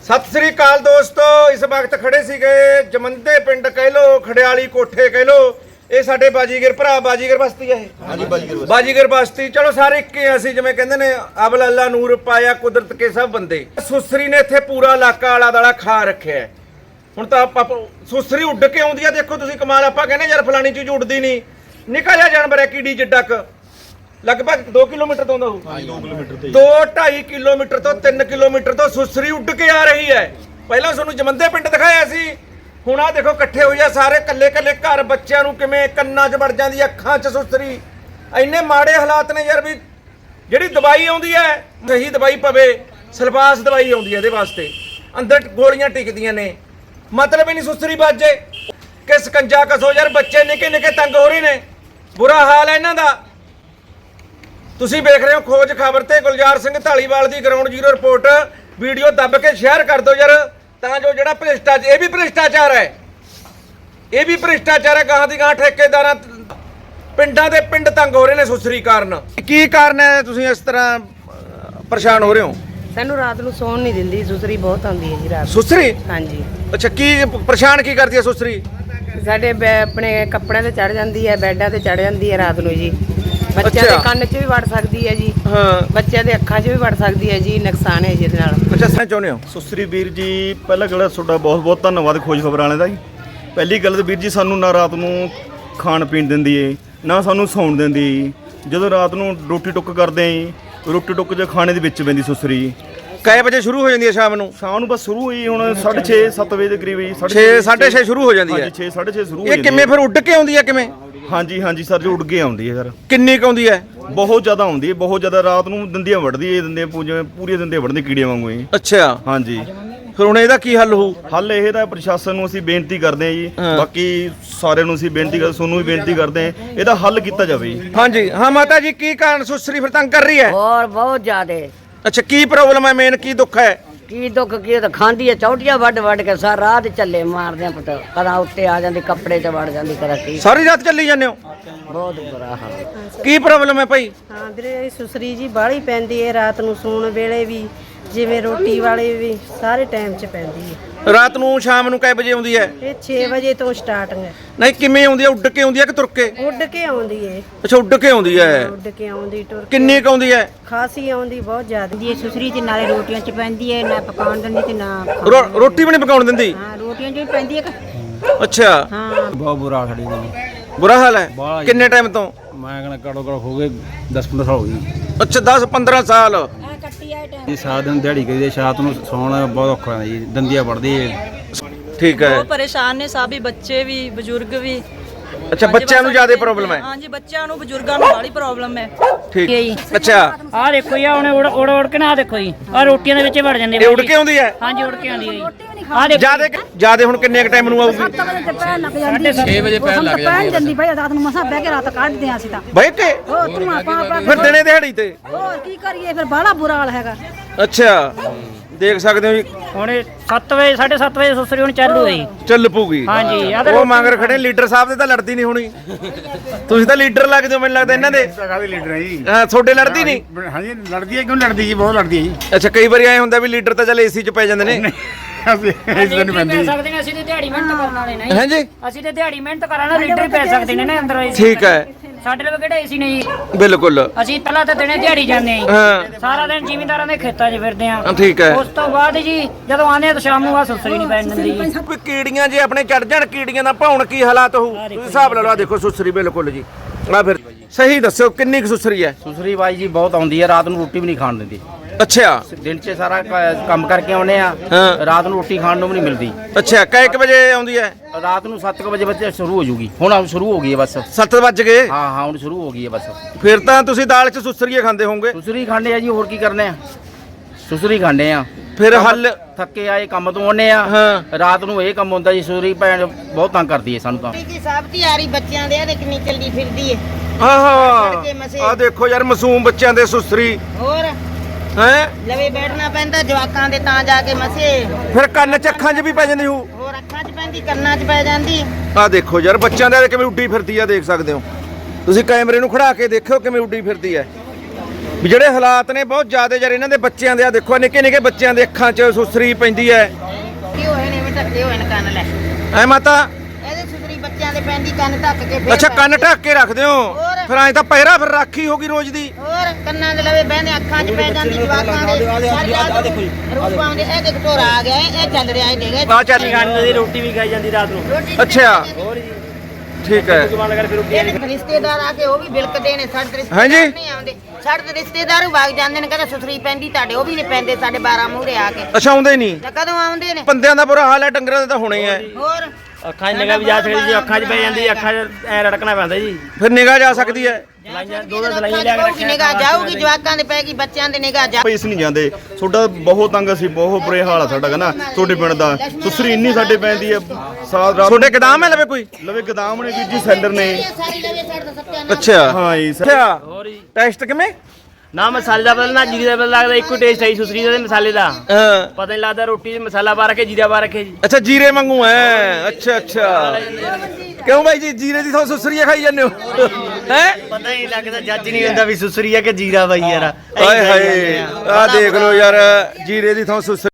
ਸਤਿ ਸ੍ਰੀ ਅਕਾਲ ਦੋਸਤੋ, ਇਸ ਵਕਤ ਖੜੇ ਸੀਗੇ ਜਮੰਦੇ ਪਿੰਡ ਕਹਿ ਲੋ, ਖੜਿਆਲੀ ਕੋਠੇ ਕਹਿ ਲੋ। ਇਹ ਸਾਡੇ ਬਾਜੀਗਰ ਭਰਾ, ਬਾਜੀਗਰ ਬਸਤੀ ਹੈ ਇਹ। ਹਾਂਜੀ ਬਾਜੀਗਰ ਬਸਤੀ। ਚਲੋ ਸਾਰੇ ਇੱਕ ਹੀ ਅਸੀਂ, ਜਿਵੇਂ ਕਹਿੰਦੇ ਨੇ ਅਬਲ ਅੱਲਾ ਨੂਰ ਪਾਇਆ ਕੁਦਰਤ ਕੇ ਸਭ ਬੰਦੇ। ਸੁਸਰੀ ਨੇ ਇੱਥੇ ਪੂਰਾ ਇਲਾਕਾ ਆਲਾ ਦਾਲਾ ਖਾ ਰੱਖਿਆ। ਹੁਣ ਤਾਂ ਸੁਸਰੀ ਉੱਡ ਕੇ ਆਉਂਦੀ ਆ, ਦੇਖੋ ਤੁਸੀਂ ਕਮਾਲ। ਆਪਾਂ ਕਹਿੰਦੇ ਯਾਰ ਫਲਾਣੀ ਚੀਜ਼ ਉੱਡਦੀ ਨਹੀਂ, ਨਿੱਕਾ ਜਿਹਾ ਜਾਨਵਰ ਹੈ ਕੀੜੀ ਜਿੱਡਾ ਕ, ਲਗਭਗ 2 ਕਿਲੋਮੀਟਰ ਤੋਂ 2 ਕਿਲੋਮੀਟਰ 2.5 ਕਿਲੋਮੀਟਰ ਤੋਂ 3 ਕਿਲੋਮੀਟਰ ਤੋਂ ਸੁਸਰੀ ਉੱਡ ਕੇ ਆ ਰਹੀ ਹੈ। ਪਹਿਲਾਂ ਤੁਹਾਨੂੰ ਜਮੰਦੇ ਪਿੰਡ ਦਿਖਾਇਆ ਸੀ, ਹੁਣ ਆ ਦੇਖੋ ਇਕੱਠੇ ਹੋਈ ਆ ਸਾਰੇ, ਕੱਲੇ ਕੱਲੇ ਘਰ। ਬੱਚਿਆਂ ਨੂੰ ਕਿਵੇਂ ਕੰਨਾਂ 'ਚ ਵੜ ਜਾਂਦੀ, ਅੱਖਾਂ 'ਚ ਸੁਸਰੀ। ਇੰਨੇ ਮਾੜੇ ਹਾਲਾਤ ਨੇ ਯਾਰ, ਵੀ ਜਿਹੜੀ ਦਵਾਈ ਆਉਂਦੀ ਹੈ ਸਹੀ ਦਵਾਈ ਪਵੇ, ਸਲਫਾਸ ਦਵਾਈ ਆਉਂਦੀ ਹੈ ਇਹਦੇ ਵਾਸਤੇ, ਅੰਦਰ ਗੋਲੀਆਂ ਟਿਕਦੀਆਂ ਨੇ, ਮਤਲਬ ਹੀ ਨਹੀਂ ਸੁਸਰੀ ਵੱਜੇ ਕਿ ਸਕੰਜਾ ਕਸੋ ਯਾਰ। ਬੱਚੇ ਨਿੱਕੇ ਨਿੱਕੇ ਤੰਗ ਹੋ ਰਹੇ ਨੇ, ਬੁਰਾ ਹਾਲ ਹੈ ਇਹਨਾਂ ਦਾ। ਤੁਸੀਂ ਵੇਖ ਰਹੇ ਹੋ ਖੋਜ ਖਬਰ ਤੇ ਗੁਲਜ਼ਾਰ ਸਿੰਘ ਢਾਲੀਵਾਲ ਦੀ ਗਰਾਊਂਡ ਜ਼ੀਰੋ ਰਿਪੋਰਟ। ਵੀਡੀਓ ਦੱਬ ਕੇ ਸ਼ੇਅਰ ਕਰ ਦਿਓ ਯਾਰ, ਤਾਂ ਜੋ ਜਿਹੜਾ ਭ੍ਰਿਸ਼ਟਾਚਾਰ, ਇਹ ਵੀ ਭ੍ਰਿਸ਼ਟਾਚਾਰ ਹੈ, ਇਹ ਵੀ ਭ੍ਰਿਸ਼ਟਾਚਾਰ ਹੈ। ਗਾਹਾਂ ਦੀ ਗਾਹਾਂ ਠੇਕੇਦਾਰਾਂ, ਪਿੰਡਾਂ ਦੇ ਪਿੰਡ ਤੰਗ ਹੋ ਰਹੇ ਨੇ ਸੁਸਰੀ ਕਾਰਨ। ਕੀ ਕਾਰਨ ਹੈ ਤੁਸੀਂ ਇਸ ਤਰ੍ਹਾਂ ਪਰੇਸ਼ਾਨ ਹੋ ਰਹੇ ਹੋ? ਸਾਨੂੰ ਰਾਤ ਨੂੰ ਸੌਣ ਨਹੀਂ ਦਿੰਦੀ, ਸੁਸਰੀ ਬਹੁਤ ਆਉਂਦੀ ਹੈ ਜੀ ਰਾਤ। ਸੁਸਰੀ? ਹਾਂਜੀ। ਅੱਛਾ, ਕੀ ਪਰੇਸ਼ਾਨ ਕੀ ਕਰਦੀ ਹੈ ਸੁਸਰੀ? ਸਾਡੇ ਆਪਣੇ ਕੱਪੜਿਆਂ ਤੇ ਚੜ ਜਾਂਦੀ ਹੈ, ਬੈੱਡਾਂ ਤੇ ਚੜ ਜਾਂਦੀ ਹੈ ਰਾਤ ਨੂੰ ਜੀ। ਬੱਚਿਆਂ ਦੇ ਕੰਨ 'ਚ ਵੀ ਵੜ ਸਕਦੀ ਹੈ ਜੀ, ਹਾਂ, ਬੱਚਿਆਂ ਦੇ ਅੱਖਾਂ 'ਚ ਵੀ ਵੜ ਸਕਦੀ ਹੈ ਜੀ। ਨੁਕਸਾਨ ਹੈ ਜੀ ਇਹਦੇ ਨਾਲ। ਅੱਛਾ, ਸੱਚ ਚਾਹੁੰਦੇ ਹੋ? ਸੁਸਰੀ ਵੀਰ ਜੀ, ਪਹਿਲਾਂ ਗੱਲ ਤੁਹਾਡਾ ਬਹੁਤ ਬਹੁਤ ਧੰਨਵਾਦ ਖੋਜ ਖਬਰਾਂ ਵਾਲਿਆਂ ਦਾ ਜੀ। ਪਹਿਲੀ ਗੱਲ ਤਾਂ ਵੀਰ ਜੀ, ਸਾਨੂੰ ਨਾ ਰਾਤ ਨੂੰ ਖਾਣ ਪੀਣ ਦਿੰਦੀ ਏ, ਨਾ ਸਾਨੂੰ ਸੌਣ ਦਿੰਦੀ। ਜਦੋਂ ਰਾਤ ਨੂੰ ਰੋਟੀ ਟੁੱਕ ਕਰਦੇ ਆਂ, ਰੋਟੀ ਟੁੱਕ 'ਚ ਖਾਣੇ ਦੇ ਵਿੱਚ ਪੈਂਦੀ ਸੁਸਰੀ। ਕਈ ਵਜੇ ਸ਼ੁਰੂ ਹੋ ਜਾਂਦੀ ਹੈ ਸ਼ਾਮ ਨੂੰ? ਸ਼ਾਮ ਨੂੰ ਬਸ ਸ਼ੁਰੂ ਹੋਈ ਹੁਣ 6:30 7 ਵਜੇ ਦੇ ਕਰੀਬ ਜੀ। 6:30 ਸ਼ੁਰੂ ਹੋ ਜਾਂਦੀ ਹੈ? ਹਾਂਜੀ, 6:30 ਸ਼ੁਰੂ ਹੋ ਇਹ ਜਾਂਦੀ ਹੈ। ਕਿਵੇਂ ਫਿਰ ਉੱਡ ਕੇ ਆਉਂਦੀ ਹੈ ਕਿਵੇਂ? ਹਾਂਜੀ ਹਾਂਜੀ ਸਰ ਜੀ, ਉੱਡ ਕੇ ਆਉਂਦੀ ਹੈ ਸਰ। ਕਿੰਨੀ ਕੁ ਆਉਂਦੀ ਹੈ? ਬਹੁਤ ਜ਼ਿਆਦਾ ਆਉਂਦੀ ਹੈ, ਬਹੁਤ ਜ਼ਿਆਦਾ। ਰਾਤ ਨੂੰ ਦੰਦੀਆਂ ਵੜਦੀ ਹੈ, ਦੰਦੀਆਂ ਪੂਰੀਆਂ ਦੰਦੀਆਂ ਵੜਦੀ ਕੀੜੀਆਂ ਵਾਂਗੂ ਜੀ। ਅੱਛਾ, ਹਾਂਜੀ। ਫਿਰ ਹੁਣ ਇਹਦਾ ਕੀ ਹੱਲ ਹੋਊ? ਹੱਲ ਇਹ ਤਾਂ ਪ੍ਰਸ਼ਾਸਨ ਨੂੰ ਅਸੀਂ ਬੇਨਤੀ ਕਰਦੇ ਹਾਂ ਜੀ, ਬਾਕੀ ਸਾਰਿਆਂ ਨੂੰ ਅਸੀਂ ਬੇਨਤੀ ਕਰਦੇ, ਤੁਹਾਨੂੰ ਵੀ ਬੇਨਤੀ ਕਰਦੇ ਹਾਂ, ਇਹਦਾ ਹੱਲ ਕੀਤਾ ਜਾਵੇ ਜੀ। ਹਾਂਜੀ ਹਾਂ ਮਾਤਾ ਜੀ, ਕੀ ਕਾਰਨ ਸੁਸਰੀ ਫਿਰ ਤੰਗ ਕਰ ਰਹੀ ਹੈ? और बहुत ज्यादा। ਅੱਛਾ, ਕੀ ਪ੍ਰੋਬਲਮ ਹੈ, ਮੇਨ ਕੀ ਦੁੱਖ ਹੈ? की दुख की तो खांदी है चौटिया वड वड के सारा रात चले मारदे पुत, कदा उत्ते आ जांदी कपड़े च वड़ जांदी, कदा की। ਸਾਰੀ ਰਾਤ ਚੱਲੀ ਜਾਂਦੇ ਹੋ? बहुत बुरा हाल। ਕੀ ਪ੍ਰੋਬਲਮ ਹੈ ਭਾਈ? ਹਾਂ ਵੀਰੇ, ਸੁਸਰੀ ਜੀ ਬਾਹਲੀ ਪੈਂਦੀ ਹੈ ਰਾਤ ਨੂੰ, ਸੌਣ ਵੇਲੇ ਵੀ, ਜਿਵੇਂ ਰੋਟੀ ਵਾਲੇ ਵੀ, ਸਾਰੇ ਟਾਈਮ 'ਚ ਪੈਂਦੀ ਹੈ। ਰਾਤ ਨੂੰ ਸ਼ਾਮ ਨੂੰ ਕਿੰਨੇ ਵਜੇ ਆਉਂਦੀ ਹੈ? ਇਹ 6 ਵਜੇ ਤੋਂ ਸਟਾਰਟਿੰਗ ਹੈ। ਨਹੀਂ, ਕਿਵੇਂ ਆਉਂਦੀ ਹੈ? ਉੱਡ ਕੇ ਆਉਂਦੀ ਹੈ ਕਿ ਤੁਰ ਕੇ? ਉੱਡ ਕੇ ਆਉਂਦੀ ਹੈ। ਅੱਛਾ, ਉੱਡ ਕੇ ਆਉਂਦੀ ਹੈ। ਉੱਡ ਕੇ ਆਉਂਦੀ, ਟੁਰ ਕੇ ਕਿੰਨੀ ਕੁ ਆਉਂਦੀ ਹੈ? ਖਾਸੀ ਆਉਂਦੀ, ਬਹੁਤ ਜ਼ਿਆਦਾ। ਦੀ ਸੁਸਰੀ ਤੇ ਨਾਲੇ ਰੋਟੀਆਂ ਚ ਪੈਂਦੀ ਹੈ, ਨਾ ਪਕਾਉਣ ਦਿੰਦੀ ਤੇ ਨਾ ਰੋਟੀ ਵੀ ਨਹੀਂ ਪਕਾਉਣ ਦਿੰਦੀ? ਹਾਂ, ਰੋਟੀਆਂ ਚ ਵੀ ਪੈਂਦੀ ਹੈ ਅੱਛਾ, ਹਾਂ। ਬਹੁਤ ਬੁਰਾ ਹਾਲ ਸਾਡੀ ਦਾ ਜੀ। ਬੁਰਾ ਹਾਲ ਹੈ। ਬਾਹਲਾ ਜੀ। ਕਿੰਨੇ ਟਾਈਮ ਤੋਂ? ਮੈਂ ਕਹਿੰਦਾ ਘੱਟੋ ਘੱਟ ਹੋ ਗਏ 10-15 ਸਾਲ ਹੋ ਗਏ ਅੱਛਾ, 10-15 ਸਾਲ। ਜੀ। ਸਾਰਾ ਦਿਨ ਦਿਹਾੜੀ ਕਰੀਦੀ, ਸ਼ਾਮ ਨੂੰ ਸੌਣਾ ਬਹੁਤ ਔਖਾ ਹੁੰਦਾ ਜੀ, ਦੰਦੀਆਂ ਵੜਦੀ ਹੈ। ਠੀਕ ਹੈ। ਬਹੁਤ ਪਰੇਸ਼ਾਨ ਨੇ ਸਭ ਹੀ, ਬੱਚੇ ਵੀ ਬਜ਼ੁਰਗ ਵੀ। ਅੱਛਾ, ਬੱਚਿਆਂ ਨੂੰ ਜ਼ਿਆਦਾ ਪ੍ਰੋਬਲਮ ਹੈ? ਹਾਂਜੀ, ਬੱਚਿਆਂ ਨੂੰ ਬਜ਼ੁਰਗਾਂ ਨੂੰ ਬੜੀ ਪ੍ਰੋਬਲਮ ਹੈ। ਠੀਕ। ਅੱਛਾ, ਆਹ ਦੇਖੋ ਜੀ, ਉਹਨੇ ਉੜ ਕੇ ਨਾ, ਆਹ ਦੇਖੋ ਜੀ, ਆਹ ਰੋਟੀਆਂ ਦੇ ਵਿੱਚ ਹੀ ਵੜ ਜਾਂਦੇ ਇਹ ਉੱਡ ਕੇ ਆਉਂਦੀ ਹੈ? ਹਾਂਜੀ, ਉੜ ਕੇ ਆਉਂਦੀ ਹੈ ਜੀ। ਆਹ ਦੇਖੋ ਜਿਆਦੇ ਹੁਣ ਕਿੰਨੇ ਕ ਟਾਈਮ ਨੂੰ ਆਊਗੀ? 6 ਵਜੇ ਪੈਣ ਲੱਗ ਜਾਂਦੀ ਭਾਈ, ਰਾਤ ਨੂੰ ਮਸਾਂ ਬਹਿ ਕੇ ਰਾਤ ਕੱਢਦੇ ਆਂ ਅਸੀਂ ਤਾਂ। ਬਈ ਕੇ ਹੋਰ ਧੂਆਂ ਪਾ ਫਿਰ ਦਿਨੇ ਦਿਹਾੜੀ ਤੇ? ਹੋਰ ਕੀ ਕਰੀਏ, ਫਿਰ ਬਾਹਲਾ ਬੁਰਾ ਹਾਲ ਹੈਗਾ। ਅੱਛਾ, ਦੇਖ ਸਕਦੇ ਹੋ ਜੀ, ਹੁਣ 7 ਵਜੇ 7:30 ਵਜੇ ਸੁਸਰੀ ਹੁਣ ਚਾਲੂ ਹੈ ਜੀ। ਚੱਲ ਪੂਗੀ। ਹਾਂਜੀ, ਆਹ ਉਹ ਮੰਗਰ ਖੜੇ ਲੀਡਰ ਸਾਹਿਬ ਦੇ ਤਾਂ ਲੜਦੀ ਨਹੀਂ ਹੋਣੀ। ਤੁਸੀਂ ਤਾਂ ਲੀਡਰ ਲੱਗਦੇ ਹੋ ਮੈਨੂੰ ਲੱਗਦਾ ਇਹਨਾਂ ਦੇ। ਕਾਹਦੇ ਲੀਡਰ ਹੈ ਜੀ? ਹਾਂ, ਤੁਹਾਡੇ ਲੜਦੀ ਨਹੀਂ? ਹਾਂਜੀ, ਲੜਦੀ ਹੈ। ਕਿਉਂ ਲੜਦੀ ਜੀ? ਬਹੁਤ ਲੜਦੀ ਹੈ ਜੀ। ਅੱਛਾ, ਕਈ ਵਾਰੀ ਐ ਹੁੰਦਾ ਵੀ ਲੀਡਰ ਤਾਂ ਚੱਲ ਏਸੀ 'ਚ ਪੈ ਜਾਂਦੇ ਨੇ। ਇਸ ਦਿਨ ਨਹੀਂ ਪੈਂਦੀ। ਸਕਦੇ ਨੇ, ਅਸੀਂ ਤੇ ਦਿਹਾੜੀ ਮਿਹਨਤ ਕਰਨ ਵਾਲੇ ਨਹੀਂ। ਹਾਂਜੀ, ਅਸੀਂ ਤੇ ਦਿਹਾੜੀ ਮਿਹਨਤ ਕਰਾਣਾ, ਲੀਡਰ ਪੈ ਸਕਦੇ ਨੇ ਨਾ ਅੰਦਰ। ਠੀਕ ਹੈ। ਸਾਡੇ ਲਈ ਕਿਹੜਾ ਏਸੀ ਨਹੀਂ ਜੀ। ਬਿਲਕੁਲ। ਅਸੀਂ ਪਹਿਲਾਂ ਤਾਂ ਦਿਨੇ ਦਿਹਾੜੀ ਜਾਂਦੇ ਆਂ, ਹਾਂ, ਸਾਰਾ ਦਿਨ ਜ਼ਿਮੀਂਦਾਰਾਂ ਦੇ ਖੇਤਾਂ 'ਚ ਫਿਰਦੇ ਆਂ। ਠੀਕ ਹੈ। ਉਸ ਤੋਂ ਬਾਅਦ ਜੀ ਜਦੋਂ ਆਉਂਦੇ ਆ ਤਾਂ ਸ਼ਾਮ ਨੂੰ ਆ ਸੁਸਰੀ ਨਹੀਂ ਪੈਣ ਦਿੰਦੀ ਜੀ। ਕੋਈ ਕੀੜੀਆਂ ਜੇ ਆਪਣੇ ਚੜ ਜਾਣ, ਕੀੜੀਆਂ ਦਾ ਭਾਉਣ ਕੀ ਹਾਲਾਤ ਹੋਊ? ਤੁਸੀਂ ਹਿਸਾਬ ਲਾ ਲਓ। ਆਹ ਦੇਖੋ ਸੁਸਰੀ ਬਿਲਕੁਲ ਜੀ। ਆ ਫਿਰ ਸਹੀ ਦੱਸਿਓ ਕਿੰਨੀ ਕੁ ਸੁਸਰੀ ਹੈ? ਸੁਸਰੀ ਬਾਈ ਜੀ ਬਹੁਤ ਆਉਂਦੀ ਹੈ, ਰਾਤ ਨੂੰ ਰੋਟੀ ਵੀ ਨਹੀਂ ਖਾਣ ਦਿੰਦੀ। ਅੱਛਾ, ਦਿਨ 'ਚ ਸਾਰਾ ਕੰਮ ਕਰਕੇ ਆਉਨੇ ਆ, ਹਾਂ। ਰਾਤ ਨੂੰ ਰੋਟੀ ਖਾਣ ਨੂੰ ਵੀ ਨਹੀਂ ਮਿਲਦੀ। ਅੱਛਾ, ਕੈ ਕੁ ਵਜੇ ਆਉਂਦੀ ਹੈ? ਰਾਤ ਨੂੰ 7 ਵਜੇ ਬੱਚੇ ਸ਼ੁਰੂ ਹੋ ਜੂਗੀ, ਹੁਣ ਸ਼ੁਰੂ ਹੋ ਗਈ ਹੈ ਬਸ। 7 ਵੱਜ ਗਏ? ਹਾਂ ਹਾਂ, ਹੁਣ ਸ਼ੁਰੂ ਹੋ ਗਈ ਹੈ ਬਸ। ਫਿਰ ਤਾਂ ਤੁਸੀਂ ਦਾਲ 'ਚ ਸੁਸਰੀਏ ਖਾਂਦੇ ਹੋਵੋਗੇ? ਸੁਸਰੀ ਖਾਂਦੇ ਆ ਜੀ, ਹੋਰ ਕੀ ਕਰਨੇ ਆ, ਸੁਸਰੀ ਖਾਂਦੇ ਆ। ਫਿਰ ਹੱਲ? ਥੱਕੇ ਆਏ ਕੰਮ ਤੋਂ ਆਉਨੇ ਆ, ਹਾਂ। ਰਾਤ ਨੂੰ ਇਹ ਕੰਮ ਹੁੰਦਾ ਜੀ। ਸੁਸਰੀ ਭੈਣ ਬਹੁਤ ਤੰਗ ਕਰਦੀ ਹੈ ਸਾਨੂੰ ਤਾਂ। ਕੀ ਸਭ ਤਿਆਰੀ ਬੱਚਿਆਂ ਦੇ ਆ ਕਿੰਨੀ ਚੱਲਦੀ ਫਿਰਦੀ ਏ। ਆਹਾ, ਆ ਦੇਖੋ ਯਾਰ, ਮਾਸੂਮ ਬੱਚਿਆਂ ਦੇ ਸੁਸਰੀ ਹੋਰ ਹੈ। ਲਵੇ ਬੈਠਣਾ ਪੈਂਦਾ ਜਵਾਕਾਂ ਦੇ, ਤਾਂ ਜਾ ਕੇ ਮਸੇ। ਫਿਰ ਕੰਨ 'ਚ ਅੱਖਾਂ 'ਚ ਵੀ ਪੈ ਜਾਂਦੀ ਹੋਊ? ਹੋਰ ਅੱਖਾਂ 'ਚ ਪੈਂਦੀ, ਕੰਨਾਂ 'ਚ ਪੈ ਜਾਂਦੀ। ਆ ਦੇਖੋ ਯਾਰ, ਬੱਚਿਆਂ ਦੇ ਕਿਵੇਂ ਉੱਡੀ ਫਿਰਦੀ ਆ, ਦੇਖ ਸਕਦੇ ਹੋ ਤੁਸੀਂ। ਕੈਮਰੇ ਨੂੰ ਖੜਾ ਕੇ ਦੇਖਿਓ ਕਿਵੇਂ ਉੱਡੀ ਫਿਰਦੀ ਹੈ। ਵੀ ਜਿਹੜੇ ਹਾਲਾਤ ਨੇ ਬਹੁਤ ਜ਼ਿਆਦਾ ਯਾਰ ਇਹਨਾਂ ਦੇ ਬੱਚਿਆਂ ਦੇ ਆ ਦੇਖੋ ਨਿੱਕੇ ਨਿੱਕੇ ਬੱਚਿਆਂ ਦੇ ਅੱਖਾਂ 'ਚ ਸੁਸਰੀ ਪੈਂਦੀ ਹੈ ਕੀ ਹੋਏ ਨੇ ਵੀ ਢੱਕੇ ਹੋਏ ਨੇ ਕੰਨ ਲੈ ਐ ਮਾਤਾ ਇਹਦੇ ਸੁਸਰੀ ਬੱਚਿਆਂ ਦੇ ਪੈਂਦੀ ਕੰਨ ਢੱਕ ਕੇ ਫੇਰ ਅੱਛਾ ਕੰਨ ਢੱਕ ਕੇ ਰੱਖਦੇ ਹੋ ਹੋਰ। ਫਿਰ ਐ ਤਾਂ ਪਹਿਰਾ ਫਿਰ ਰਾਖੀ ਹੋਗੀ ਰੋਜ਼ ਦੀ ਹੋਰ ਕੰਨਾਂ ਦੇ ਲਵੇ ਬਹਿਨੇ ਅੱਖਾਂ 'ਚ ਪੈ ਜਾਂਦੀ ਜਵਾਕਾਂ ਦੇ ਸਾਰੀ ਰਾਤ ਰੂਪ ਆਉਂਦੇ ਇਹ ਦੇਖ ਢੋਰਾ ਆ ਗਿਆ ਇਹ ਚੱਲ ਰਿਹਾ ਇਹ ਦੇਖ ਆ ਚੱਲ ਦੀ ਰੋਟੀ ਵੀ ਖਾਈ ਜਾਂਦੀ ਰਾਤ ਨੂੰ ਰੋਟੀ ਅੱਛਾ ਠੀਕ ਹੈ ਇਹਦੇ ਰਿਸ਼ਤੇਦਾਰ ਆ ਕੇ ਉਹ ਵੀ ਬਿਲਕਦੇ ਨੇ ਸਾਡੇ ਰਿਸ਼ਤੇਦਾਰ ਹਾਂਜੀ। ਨਹੀਂ ਆਉਂਦੇ ਸਾਡੇ ਰਿਸ਼ਤੇਦਾਰ ਵੀ ਵਗ ਜਾਂਦੇ ਨੇ ਕਹਿੰਦੇ ਸੁਸਰੀ ਪੈਂਦੀ ਤੁਹਾਡੇ ਉਹ ਵੀ ਨਹੀਂ ਪੈਂਦੇ ਸਾਡੇ 12 ਮੂਹਰੇ ਆ ਕੇ ਅੱਛਾ ਆਉਂਦੇ ਨਹੀਂ ਤਾਂ ਕਦੋਂ ਆਉਂਦੇ ਨੇ ਬੰਦਿਆਂ ਦਾ ਬੁਰਾ ਹਾਲ ਹੈ ਡੰਗਰਾਂ ਦਾ ਤਾਂ ਹੋਣਾ ਹੀ ਹੈ ਹੋਰ ਅੱਖਾਂ 'ਚ ਨਿਗਾਹ ਵੀ ਜਾ ਸਕਦੀ ਜੀ ਅੱਖਾਂ 'ਚ ਪੈ ਜਾਂਦੀ ਅੱਖਾਂ 'ਚ ਐ ਰੜਕਣਾ ਪੈਂਦਾ ਜੀ ਫਿਰ ਨਿਗਾਹ ਜਾ ਸਕਦੀ ਹੈ ਦੋ ਸਲਾਈਆਂ ਲਿਆ ਕੇ ਰੱਖਿਆ ਨਿਗਾਹ ਜਾਊਗੀ ਜਵਾਕਾਂ ਦੇ ਪੈ ਗਈ ਬੱਚਿਆਂ ਦੇ ਨਿਗਾਹ ਜਾ ਪੈਸ ਨਹੀਂ ਜਾਂਦੇ ਤੁਹਾਡਾ ਬਹੁਤ ਤੰਗ ਅਸੀਂ ਬਹੁਤ ਬੁਰੇ ਹਾਲ ਆ ਸਾਡਾ ਕਹਿੰਦਾ ਤੁਹਾਡੇ ਪਿੰਡ ਦਾ ਸੁਸਰੀ ਇੰਨੀ ਸਾਡੇ ਪੈਂਦੀ ਹੈ ਸਾਰਾ ਰਾਤ ਤੁਹਾਡੇ ਗਦਾਮ ਹੈ ਲਵੇ ਕੋਈ ਲਵੇ ਗਦਾਮ ਨੇ ਵੀਰ ਜੀ ਸੈਲਰ ਨੇ ਸਾਰੀ ਲਵੇ ਸਾਡੇ ਦਾ ਸੱਤਿਆ ਅੱਛਾ ਹਾਂ ਜੀ ਅੱਛਾ ਹੋਰ ਜੀ ਟੈਸਟ ਕਿਵੇਂ ਨਾ ਮਸਾਲੇ ਦਾ ਬਦਲ ਨਾ ਜੀਰੇ ਦਾ ਬਦਲ ਲੱਗਦਾ ਇੱਕੋ ਟੇਸਟ ਹੈ ਸੁਸਰੀ ਦਾ ਤੇ ਮਸਾਲੇ ਦਾ ਹਾਂ ਪਤਾ ਨਹੀਂ ਲੱਗਦਾ ਰੋਟੀ 'ਚ ਮਸਾਲਾ ਪਾ ਰੱਖੇ ਜੀਰਾ ਪਾ ਰੱਖੇ ਜੀ ਅੱਛਾ ਜੀਰੇ ਵਾਂਗੂ ਹੈ ਅੱਛਾ ਅੱਛਾ ਕਿਉਂ ਬਾਈ ਜੀ ਜੀਰੇ ਦੀ ਥਾਂ ਸੁਸਰੀਆ ਖਾਈ ਜਾਂਦੇ ਹੋ ਹੈ ਪਤਾ ਹੀ ਲੱਗਦਾ ਜੱਜ ਨਹੀਂ ਹੁੰਦਾ ਵੀ ਸੁਸਰੀ ਆ ਕਿ ਜੀਰਾ ਬਾਈ ਯਾਰ ਆਏ ਹਾਏ ਆ ਦੇਖ ਲਓ ਯਾਰ ਜੀਰੇ ਦੀ ਥਾਂ ਸੁਸਰੀ